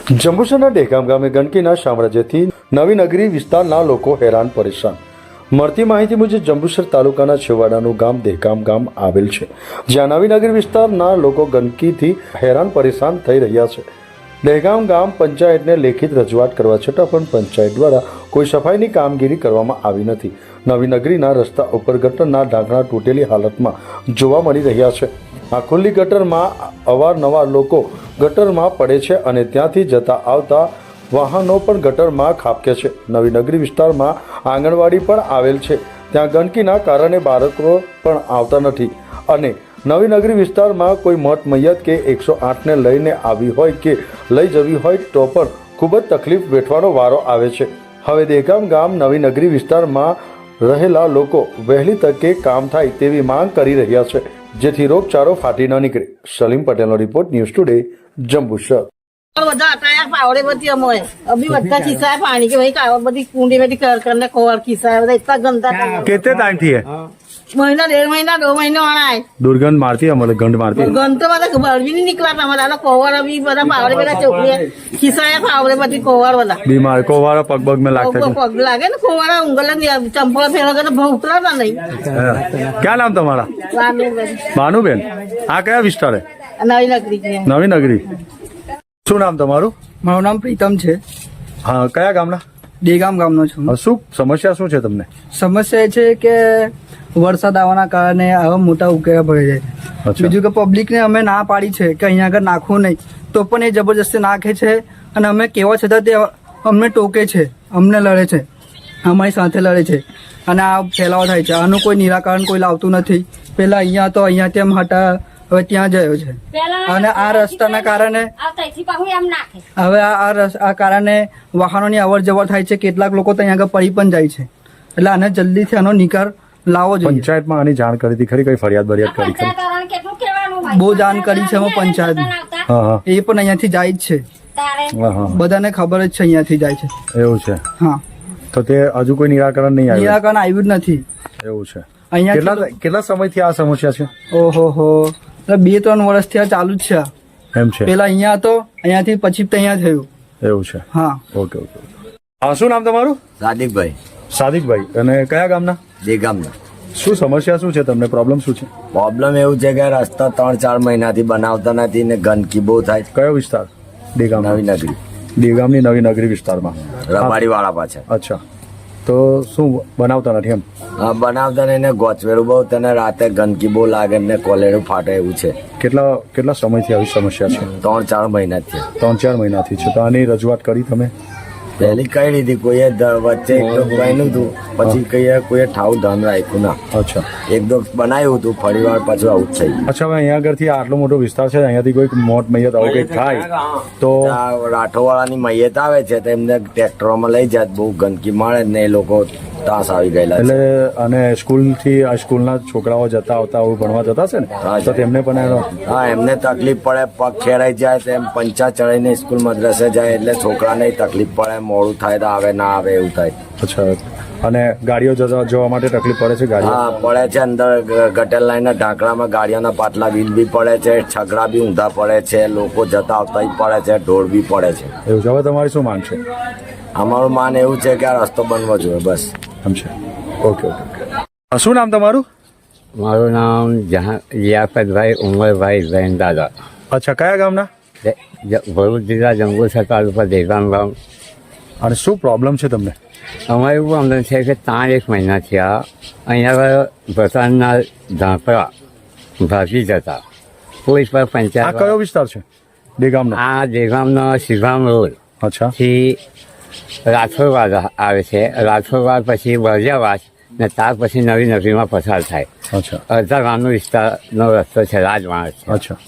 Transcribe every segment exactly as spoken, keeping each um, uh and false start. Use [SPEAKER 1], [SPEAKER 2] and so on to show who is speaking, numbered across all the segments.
[SPEAKER 1] જંબુસરના ડેગામ ગામે ગંદકીના સામ્રાજ્યથી નવી નગરી વિસ્તારના લોકો હેરાન પરેશાન. મળતી માહિતી મુજબ જંબુસર તાલુકાના છેવાડાનું ગામ દહેગામ ગામ આવેલ છે, જ્યાં નવી નગરી વિસ્તારના લોકો ગંદકીથી હેરાન પરેશાન થઈ રહ્યા છે. દહેગામ ગામ પંચાયતને લેખિત રજૂઆત કરવા છતાં પણ પંચાયત દ્વારા કોઈ સફાઈની કામગીરી કરવામાં આવી નથી. નવી નગરીના રસ્તા ઉપર ગટરના ઢાંકણા તૂટેલી હાલતમાં જોવા મળી રહ્યા છે. આ ખુલ્લી ગટરમાં અવારનવાર લોકો ગટરમાં પડે છે અને ત્યાંથી જતા આવતા વાહનો પણ ગટરમાં ખાબકે છે. નવી નગરી વિસ્તારમાં આંગણવાડી પણ આવેલ છે, ત્યાં ગંદકીના કારણે બાળકો પણ આવતા નથી અને નવી નગરી વિસ્તારમાં કોઈ મોત મૈયત કે એકસો આઠને લઈને આવી હોય કે લઈ જવી હોય તો પણ ખૂબ જ તકલીફ વેઠવાનો વારો આવે છે. હવે દહેગામ ગામ નવી નગરી વિસ્તારમાં રહેલા લોકો વહેલી તકે કામ થાય તેવી માંગ કરી રહ્યા છે, જેથી રોગચાળો ફાટી ન નીકળે. સલીમ પટેલનો રિપોર્ટ, ન્યૂઝ ટુડે, જંબુસર.
[SPEAKER 2] બધા અટાયા પાવડે બધી અમે અભી બધા ખિસ્સા पानी के भाई का बधी कुंडी में कर करने कोवर खिस्सा બધા इतना गंदा था.
[SPEAKER 1] कितने टाइम थी है?
[SPEAKER 2] महीना डेढ़ महीना दो महीने आना है.
[SPEAKER 1] दुर्गंध मारती है, मतलब गंध मारती है.
[SPEAKER 2] गंध तो मतलब बाहर भी नहीं निकला था हमारा. कोवर अभी બધા પાવડે બધા ચોકડી ખિસ્સા પાવડે બધી કોવાર બધા
[SPEAKER 1] बीमार कोवारा पग पग में लगता है.
[SPEAKER 2] પગ લાગે ને કોવારા ઉંગલા ચંપલ ફેરવા કે બહુ ઉતરાતા નહીં.
[SPEAKER 1] क्या नाम तुम्हारा? भानुबेन. આ કયા વિસ્તાર હે?
[SPEAKER 2] નવી નગરી.
[SPEAKER 1] નવી નગરી. શું નામ તમારું?
[SPEAKER 3] મારું નામ પ્રીતમ છે.
[SPEAKER 1] હા, કયા ગામના?
[SPEAKER 3] દેગામ ગામનો છું.
[SPEAKER 1] શું સમસ્યા શું છે તમને?
[SPEAKER 3] સમસ્યા એ છે કે વરસાદ આવવાના કારણે આવા મોટા ઉકેલા ભરાઈ જાય છે. બીજું કે પબ્લિકને અમે ના પાડી છે કે અહીંયા આગળ નાખવું નહીં, તો પણ એ જબરજસ્તી નાખે છે અને અમે કહેવા છતાં તે અમને ટોકે છે, અમને લડે છે, અમારી સાથે લડે છે અને આ ફેલાવો થાય છે. આનું કોઈ નિરાકરણ કોઈ લાવતું નથી. પેલા અહીંયા તો અહીંયા તેમ હટા, હવે ત્યાં જયો છે અને આ રસ્તાના કારણે હવે આ આ કારણે વાહનોની અવર જવર થાય છે. કેટલાક લોકો તો અહીંયા આગળ પડી પણ જાય છે. એટલે આને જલ્દીથી આનો નિકાલ લાવવો જોઈએ.
[SPEAKER 1] પંચાયતમાં આની જાણ કરી હતી ખરી? કઈ ફરિયાદ બરિયાદ કરી ખરી?
[SPEAKER 3] બહુ જાણ કરી છે અમે પંચાયત, એ પણ અહીંયાથી જાય જ છે. બધાને ખબર જ છે અહીંયાથી જાય છે.
[SPEAKER 1] એવું છે? હા. તો તે હજુ કોઈ નિરાકરણ નહીં આવ્યું?
[SPEAKER 3] નિરાકરણ આવ્યું જ નથી.
[SPEAKER 1] એવું છે? અહીંયા કેટલા સમયથી આ સમસ્યા છે?
[SPEAKER 3] ઓહો હો, બે ત્રણ વર્ષથી આ ચાલુ જ છે.
[SPEAKER 1] એમ છે?
[SPEAKER 3] પેલા અહીંયા હતો, અહીંયાથી પછી અહીંયા થયું.
[SPEAKER 1] એવું છે? હા. Okay okay. હા, શું નામ તમારું?
[SPEAKER 4] સાદિકભાઈ.
[SPEAKER 1] સાદિકભાઈ. અને કયા ગામના?
[SPEAKER 4] દેગામના.
[SPEAKER 1] શું સમસ્યા શું છે તમને? પ્રોબ્લેમ શું છે?
[SPEAKER 4] પ્રોબ્લેમ એવું છે કે રસ્તા ત્રણ ચાર મહિનાથી બનાવતા નથી ને ગંદકી બહુ થાય.
[SPEAKER 1] કયો વિસ્તાર? દેગામ.
[SPEAKER 4] નવી નગરી.
[SPEAKER 1] દેગામની નવી નગરી વિસ્તારમાં
[SPEAKER 4] રબારી વાળા પાછળ.
[SPEAKER 1] અચ્છા. તો શું બનાવતા નથી એમ?
[SPEAKER 4] હા, બનાવતા નહીં ને ગોચવેલું બહુ, તને રાતે ગંદકી બહુ લાગે ને કોલેરું ફાટે એવું છે.
[SPEAKER 1] કેટલા કેટલા સમયથી આવી સમસ્યા છે?
[SPEAKER 4] ત્રણ ચાર મહિનાથી.
[SPEAKER 1] ત્રણ ચાર મહિનાથી છે. તો આની રજૂઆત કરી તમે?
[SPEAKER 4] પહેલી કઈ લીધી, કોઈએ વચ્ચે એક તો કહીનું હતું, પછી કહીએ કોઈએ ઠાવું ધન રાખ્યું ના.
[SPEAKER 1] અચ્છા.
[SPEAKER 4] એક દો બનાવ્યું હતું, ફરી વાર પાછું આવું જ થઈ ગયું.
[SPEAKER 1] અચ્છા. હવે અહીંયા આગળથી આટલો મોટો વિસ્તાર છે, અહીંયાથી કોઈ મોટ મૈયત આવું કંઈક થાય તો
[SPEAKER 4] રાઠોવાળાની મૈયત આવે છે તો એમને ટ્રેક્ટરોમાં લઈ જાય, બહુ ગંદકી મળે ને એ લોકો ત્રાસ આવી ગયેલા.
[SPEAKER 1] એટલે અને સ્કૂલથી આ સ્કૂલના છોકરાઓ જતા આવતા આવું ભણવા જતા છે ને, તો તેમને પણ
[SPEAKER 4] હા એમને તકલીફ પડે, પગ ખેરાઈ જાય તો એમ પંચા ચડીને સ્કૂલ મદ્રસે જાય એટલે છોકરાને તકલીફ પડે, મોડું થાય તો આવે ના આવે એવું થાય.
[SPEAKER 1] અચ્છા. અને ગાડીઓ જવા જવા માટે તકલીફ પડે છે? ગાડીઓ
[SPEAKER 4] હા પડે છે. અંદર ગટર લાઈનના ઢાંકણામાં ગાડીઓના પાટલા વીલ બી પડે છે, છગડા બી ઊંધા પડે છે, લોકો જતા આવતા પડે છે, ઢોળ બી પડે છે.
[SPEAKER 1] એવું છે? હવે તમારી શું માંગ છે?
[SPEAKER 4] અમારું માન એવું છે કે આ રસ્તો બનવો જોઈએ બસ.
[SPEAKER 1] એમ છે? Okay okay. શું નામ તમારું?
[SPEAKER 5] મારું નામ જહાં લિયાકતભાઈ ઉમરભાઈ જૈન દાદા.
[SPEAKER 1] અચ્છા. કયા ગામના?
[SPEAKER 5] ભરૂચ જિલ્લા જંબુસર તાલુકા દેગામ ગામ.
[SPEAKER 1] અને શું પ્રોબ્લેમ છે તમને?
[SPEAKER 5] અમારે એવું પ્રોબ્લેમ છે કે ત્રણ એક મહિના થયા અહીંયા વરસાદના ઝાંપડા ભાગી જતા. કોઈ પર પંચાયત.
[SPEAKER 1] આ કયો વિસ્તાર છે દેગામનો?
[SPEAKER 5] આ દેગામનો શિવામ રોડ.
[SPEAKER 1] અચ્છા.
[SPEAKER 5] થી રાઠોડવાડ આવે છે, રાઠોડવાડ પછી બરજાવાસ ને ત્યાર પછી નવી નગરીમાં પસાર થાય.
[SPEAKER 1] અચ્છા.
[SPEAKER 5] અડધા ગામનો વિસ્તારનો રસ્તો છે, રાજમાર્ગ છે.
[SPEAKER 1] અચ્છા.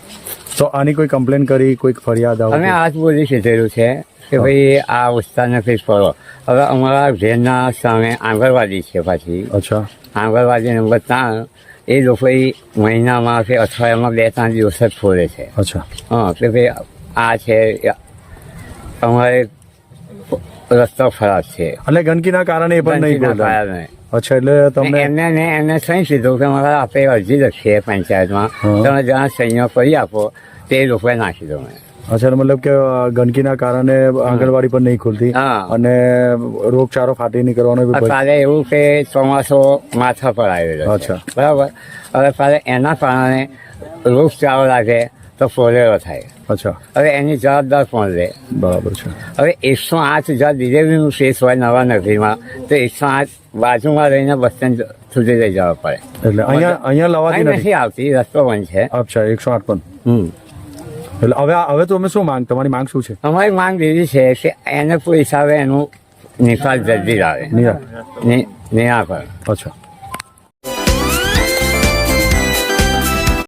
[SPEAKER 1] તો આની કોઈ કમ્પ્લેન કરી, કોઈક ફરિયાદ?
[SPEAKER 5] અમે આજ બોલી કીધેલું છે કે ભાઈ આ વિસ્તારને કંઈક કરો. હવે અમારા ઘેરના સામે આંગણવાડી છે પાછી.
[SPEAKER 1] અચ્છા.
[SPEAKER 5] આંગણવાડી નંબર ત્રણ એ લોકો મહિનામાં કે અઠવાડિયામાં બે ત્રણ દિવસ જ ખોલે છે.
[SPEAKER 1] અચ્છા.
[SPEAKER 5] હા કે ભાઈ આ છે અમારે રસ્તો ખરાબ છે
[SPEAKER 1] એટલે ગંદકીના કારણે એ પણ નહીં બોલે. અચ્છા. એટલે તમને
[SPEAKER 5] એમને ને એમને સહી કીધું કે મારે આપણે અરજી લખીએ પંચાયતમાં, તમે જ્યાં સહીઓ કરી આપો તે લોકોએ નાખી દો. મેં
[SPEAKER 1] અચ્છા મતલબ કે અ, ગંદકીના કારણે આંગણવાડી પણ નહીં ખુલતી
[SPEAKER 5] હા.
[SPEAKER 1] અને રોગચાળો ફાટી નીકળવાનો બી ભય.
[SPEAKER 5] અત્યારે એવું કે ચોમાસો માથા પર આવેલો છે
[SPEAKER 1] અચ્છા.
[SPEAKER 5] બરાબર હવે પાછા એના કારણે રોગચાળો લાગે તો ફોલેરો થાય
[SPEAKER 1] અચ્છા
[SPEAKER 5] હવે એની જવાબદાર કોણ લે
[SPEAKER 1] બરાબર છે.
[SPEAKER 5] હવે એકસો આઠ હજાર ડિલિવરીનું કેસ હોય નવા નગરીમાં તો એકસો આઠ બાજુમાં રહીને બસ સ્ટેન્ડ સુધી લઈ જવા પડે
[SPEAKER 1] એટલે અહીંયા અહીંયા લવાતી
[SPEAKER 5] અહીં
[SPEAKER 1] નથી.
[SPEAKER 5] નથી આવતી રસ્તો બંધ છે
[SPEAKER 1] અચ્છા એકસો આઠ પણ
[SPEAKER 5] હમ
[SPEAKER 1] એટલે હવે હવે તો અમે શું માંગ તમારી માંગ શું છે?
[SPEAKER 5] અમારી માંગ એવી છે કે એને કોઈ હિસાબે એનું નિકાલ જલ્દી લાવે
[SPEAKER 1] નિરા
[SPEAKER 5] નિરાકરણ
[SPEAKER 1] અચ્છા